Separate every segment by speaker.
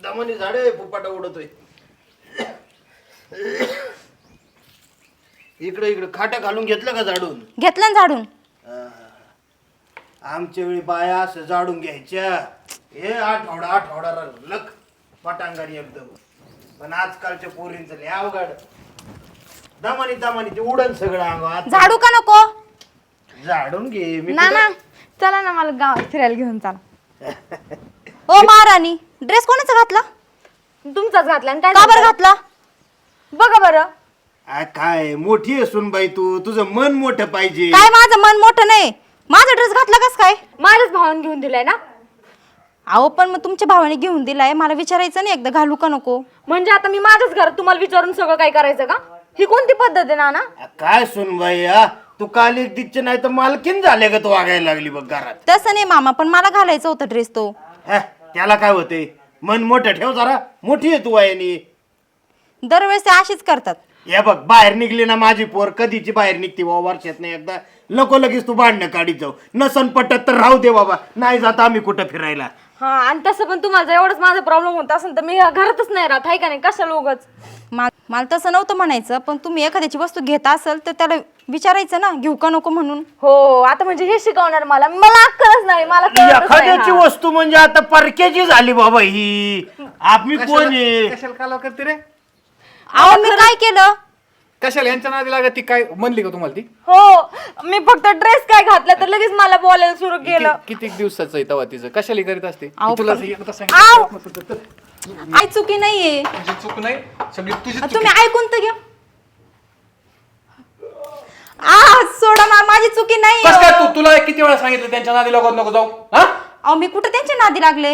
Speaker 1: दमानी झाडे फुपाटा उडतोय. इकडे इकडे खाट्या घालून घेतलं का झाडून?
Speaker 2: घेतलं ना झाडून.
Speaker 1: आमच्या वेळी बाया असं झाडून घ्यायच्या. हे आठवडा लख पटांगारी एकदम. पण आजकालच्या पोरींचं लय अवघड. दमानी ते उडन सगळं अंगावर.
Speaker 2: झाडू का नको?
Speaker 1: झाडून घे. मी
Speaker 3: ना ना चला ना मला गावात फिरायला घेऊन चला.
Speaker 2: ओ महाराणी, ड्रेस कोणाचा घातला?
Speaker 3: तुमचाच घातला आणि काय
Speaker 2: का बरं घातला?
Speaker 3: बघा बरं.
Speaker 1: काय मोठी असून बाई तुझं मन मोठं पाहिजे.
Speaker 2: काय माझं मन मोठं नाही. माझा ड्रेस घातला कस काय?
Speaker 3: माझ्याच भावाने घेऊन दिलाय ना.
Speaker 2: अहो पण मग तुमच्या भावाने घेऊन दिलाय, मला विचारायचं नाही एकदा घालू का नको?
Speaker 3: म्हणजे आता मी माझ्याच घरात तुम्हाला विचारून सगळं काय करायचं का? ही कोणती पद्धत आहे ना?
Speaker 1: काय सुन बाई तू काल एक दिच्छे नाही तर मालकीन झाले का तू वागायला लागली बघ घरात.
Speaker 2: तसं नाही मामा, पण मला घालायचा होता ड्रेस तो.
Speaker 1: त्याला काय होते? मन मोठं ठेव जरा. मोठी आहे तू वयानी.
Speaker 2: दरवेळेस ते अशीच करतात.
Speaker 1: हे बघ बाहेर निघली ना माझी पोर, कधीची बाहेर निघते बाबा वर्षात नाही एकदा. नको लगेच तू भांडणं काढीत जाऊ. नसन पटत तर राहू दे बाबा. नाही जात आम्ही कुठं फिरायला.
Speaker 3: हा आणि तसं पण तुम्हाला जर एवढंच माझा प्रॉब्लेम होत असेल तर मी घरातच नाही राहत, आहे का नाही? कशाला उगाच.
Speaker 2: मला तसं नव्हतं म्हणायचं, पण तुम्ही एखाद्याची वस्तू घेत असेल तर त्याला विचारायचं ना घेऊ का नको म्हणून.
Speaker 3: हो आता म्हणजे हे शिकवणार मला अक्कलच नाही. मला
Speaker 1: एखाद्याची वस्तू म्हणजे आता परक्याची झाली बाबा ही. आम्ही कोण आहे?
Speaker 4: कशाला कालवा करते रे?
Speaker 2: अहो मी काय केलं?
Speaker 4: कशाला यांच्या नादी लागत? ती काय म्हणली का तुम्हाला ती?
Speaker 3: हो मी फक्त ड्रेस काय घातला तर लगेच मला बोलायला सुरू केलं.
Speaker 4: किती दिवसाचं आहे तेव्हा तिचं? कशाला करीत असते?
Speaker 2: अहो,
Speaker 4: तुला
Speaker 2: पण-
Speaker 4: एकदा सांगितलं
Speaker 2: आई चुकी नाहीये.
Speaker 4: तुझी चूक नाही, सगळी तुझी चूक
Speaker 2: तुम्ही ऐकून तर घ्या. सोडा माझी चुकी नाही.
Speaker 4: कस काय? तुला किती वेळा सांगितलं त्यांच्या नादी लागत नको जाऊ? हा
Speaker 2: अहो मी कुठं त्यांच्या नादी लागले?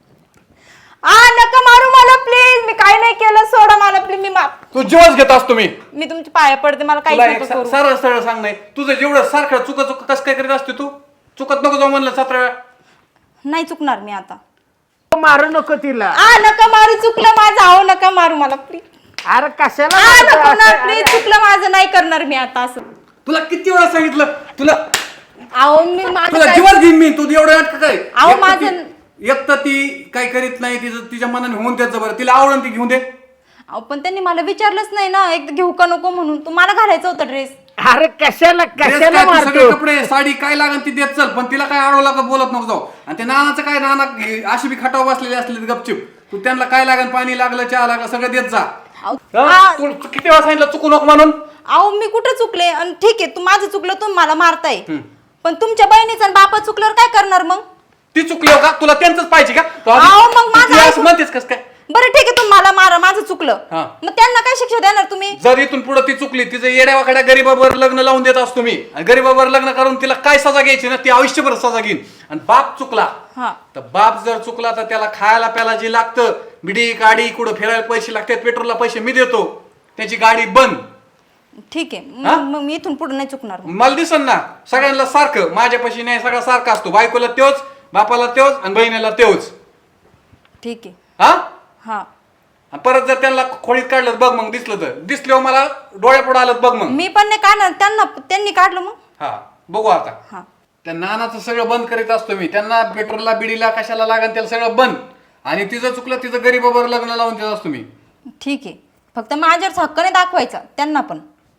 Speaker 2: नका मारू मला प्लीज. मी काय नाही केलं. सोडा मला प्लीज.
Speaker 4: तू जीवच घेत असतो मी
Speaker 2: तुमच्या पाया पडते. मला
Speaker 4: तुला
Speaker 2: काही
Speaker 4: एक सरळ सरळ सांग. नाही तुझं जेवढं सारखं चुका कस काय करीत असते तू? चुकत नको जाऊ म्हणलं 17 वेळा.
Speaker 2: नाही चुकणार मी आता.
Speaker 1: मारू नको तिला.
Speaker 2: नका मारू. चुकलं माझं. अहो नका मारू मला प्लीज.
Speaker 1: अरे कशाला
Speaker 2: नको ना प्लीज. चुकलं माझं. नाही करणार मी आता असं.
Speaker 4: तुला किती वेळा सांगितलं? तुला
Speaker 2: अहो मी माझं
Speaker 4: तुला
Speaker 2: काय-
Speaker 4: जीवच घेईन मी. तू एवढं नाटक काय?
Speaker 2: अहो, माझं-
Speaker 4: एक तर ती काय करीत नाही. तिच्या मनाने होऊन त्याचं बरं. तिला आवडून ती घेऊन दे.
Speaker 2: अहो पण त्यांनी मला विचारलंच नाही ना एकदा घेऊ का नको म्हणून. तुम्हाला घालायचा होता ड्रेस.
Speaker 1: अरे कशाला
Speaker 4: ड्रेस
Speaker 1: कशाला
Speaker 4: काय, तू सगळे
Speaker 1: मारतो?
Speaker 4: कपडे साडी काय लागन ती देत चल. पण तिला काय आडवला का बोलत नको जाऊ. आणि ते नानाचं काय, नाना अशी बी खटाव बसलेली असलेली गपचिप. तू त्यांना काय लागन, पाणी लागलं, चहा लागला, सगळं देत जा. हा? तू किती वेळा सांगितलं चुकू नको म्हणून?
Speaker 2: अहो मी कुठं चुकले? आणि ठीक आहे, तू माझं चुकलं, तुम्ही मला मारताय. पण तुमच्या बहिणीचं आणि बापा चुकल्यावर काय करणार मग?
Speaker 4: ती चुकली हो का? तुला त्यांचंच पाहिजे का?
Speaker 2: अहो, मग माझं
Speaker 4: असं
Speaker 2: ऐकून-
Speaker 4: म्हणतेस कस काय?
Speaker 2: बरं ठीक आहे, तुम्ही मला मारा, माझं चुकलं.
Speaker 4: हा.
Speaker 2: मग त्यांना काय शिक्षा देणार तुम्ही?
Speaker 4: जर इथून पुढे ती चुकली, तिचं येड्यावाकड्या गरीबावर लग्न लावून देत असतो मी. आणि गरीबावर लग्न करून तिला काय सजा घ्यायची ना, ती आयुष्यभर सजा घेईन. आणि बाप चुकला
Speaker 2: हा.
Speaker 4: तर बाप जर चुकला तर त्याला खायला प्यायला जे लागतं, बिडी गाडी कुठं फिरायला पैसे लागतात, पेट्रोलला पैसे मी देतो, त्याची गाडी बंद.
Speaker 2: ठीक आहे,
Speaker 4: हा?
Speaker 2: मग मी इथून पुढे नाही चुकणार.
Speaker 4: मला दिसन ना सगळ्यांना सारखं. माझ्यापाशी नाही, सगळा सारखा असतो. बायकोला त्योच, बापाला त्योच आणि बहिणीला त्योच.
Speaker 2: ठीक आहे.
Speaker 4: हा
Speaker 2: हा
Speaker 4: आणि परत जर त्यांना खोळीत काढलं बघ, मग दिसलं तर दिसल्यावर मला डोळ्यापुढे आलं बघ मग.
Speaker 2: मी पण नाही काढणार. त्यांनी काढलं मग.
Speaker 4: हा बघू आता.
Speaker 2: हा
Speaker 4: त्या नानाचं सगळं बंद करीत असतो मी. त्यांना पेट्रोलला बिडीला कशाला लागन त्याला सगळं बंद. आणि तिचं चुकलं, तिचं गरीबाबरोबर लग्न लावून देत असतो मी.
Speaker 2: ठीक आहे, फक्त माझ्यावर हक्क नाही दाखवायचा त्यांना पण.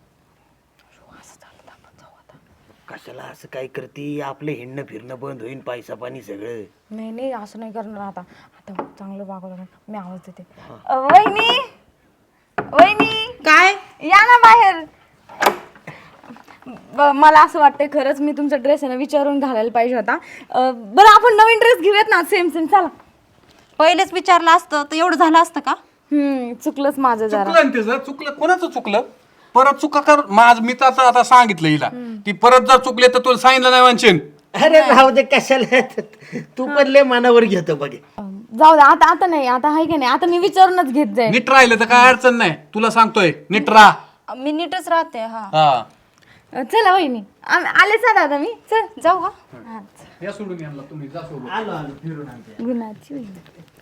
Speaker 1: कशाला असं काय करते? आपलं हिंडणं फिरणं बंद होईन, पैसा पाणी सगळं.
Speaker 3: नाही नाही असं नाही करणार. आता आता चांगलं वागवलं मी आवाज देते. वहिनी वहिनी
Speaker 2: काय?
Speaker 3: या ना बाहेर. मला असं वाटतंय खरंच मी तुमचा ड्रेस आहे ना विचारून घालायला पाहिजे होता. बरं आपण नवीन ड्रेस घेऊयात ना, सेम सेम. चला.
Speaker 2: पहिलेच विचारलं असतं तर एवढं झालं असतं का?
Speaker 3: चुकलंच माझं जरा.
Speaker 4: चुकलं तिचं. चुकलं कोणाचं चुकलं? परत चुका कर. मी तर आता सांगितलं हिला, ती परत जर चुकले तर तुला सांगितलं नाही म्हणशील.
Speaker 1: अरे राहू दे, कशाला तू पण लय मनावर घेतो बघे.
Speaker 3: जाऊ दे आता. आता नाही, आता आहे की नाही, आता मी विचारूनच घेत जाईल.
Speaker 4: नीट राहिलं तर काय अडचण नाही. तुला सांगतोय नीट राहा.
Speaker 2: मी नीटच राहते. हा
Speaker 4: हा
Speaker 3: चला वहिनी, आले सा दादा मी. चल
Speaker 2: जाऊ का?
Speaker 4: या सोडून यांना तुम्ही जा सोडून.
Speaker 1: आलो आलो फिरून आणते.
Speaker 3: गुणाची वहिनी.